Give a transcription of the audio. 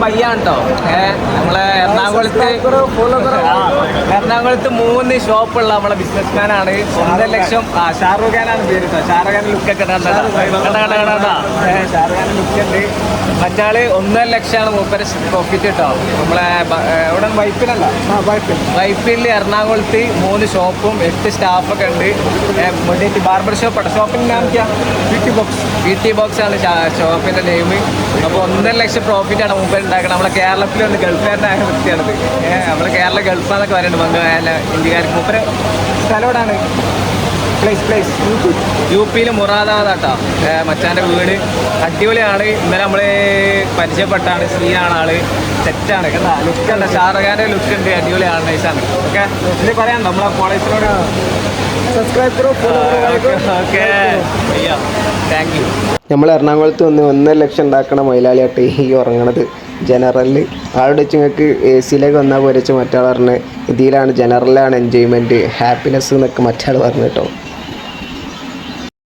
പയ്യാണ് കേട്ടോ. നമ്മളെ എറണാകുളത്ത് 3 ഷോപ്പുള്ള നമ്മളെ ബിസിനസ്മാനാണ്. 1.5 ലക്ഷം. ഷാറൂഖ് ഖാനാണ് പേര് കേട്ടോ. ഷാറൂഖ് ഖാൻ ലുക്കൊക്കെ ഷാറൂഖ് ഖാൻ ലുക്ക് ഉണ്ട്. മറ്റാള് 1.5 ലക്ഷമാണ് മൂപ്പര് പ്രോഫിറ്റ് കേട്ടോ. നമ്മളെ ഇവിടെ വൈപ്പിൽ എറണാകുളത്ത് 3 ഷോപ്പും 8 സ്റ്റാഫൊക്കെ ഉണ്ട്. ബാർബർ ഷോപ്പാണ്. ഷോപ്പിൻ്റെ നാം BT ബോക്സ് ആണ് ഷോപ്പിൻ്റെ നെയിം. അപ്പോൾ 1.5 ലക്ഷം പ്രോഫിറ്റാണ് മൂപ്പർ ഉണ്ടാക്കുന്നത്. നമ്മളെ കേരളത്തിലുണ്ട് ഗൾഫുകാരനായ വ്യക്തിയാണത്. നമ്മളെ കേരള ഗൾഫാന്നൊക്കെ പറയുന്നുണ്ട് ഇന്ത്യക്കാർക്ക്. മൂപ്പര് സ്ഥലത്തോടാണ് പ്ലേസ് UP മുറാദാബാദാട്ടോ. മച്ചാൻ്റെ വീട് അടിപൊളിയാണ്. ഇന്നലെ നമ്മൾ പരിചയപ്പെട്ടാണ്. സീനാണ് ആള്. സെറ്റാണ് കേട്ടോ. ലുക്കുണ്ട്. ഷാറൂഖ് ഖാൻ്റെ ലുക്ക് ഉണ്ട്. അടിപൊളിയാണ്. നൈസാണ്. ഓക്കെ ഇത് പറയാനുണ്ടോ നമ്മളെ കോളേജിനോട്? Subscribe okay thank you. നമ്മൾ എറണാകുളത്ത് വന്ന് 1.5 ലക്ഷം ഉണ്ടാക്കണ മൈലാളിയാട്ടെ ഈ ഉറങ്ങണത്. ജനറലിൽ ആളുടെ വെച്ച് നിങ്ങൾക്ക് AC വന്നാൽ പോരച്ച് മറ്റാൾ പറഞ്ഞ് ഇതിലാണ് ജനറലാണ് എൻജോയ്മെൻറ്റ് ഹാപ്പിനെസ് എന്നൊക്കെ മറ്റാൾ പറഞ്ഞു കേട്ടോ.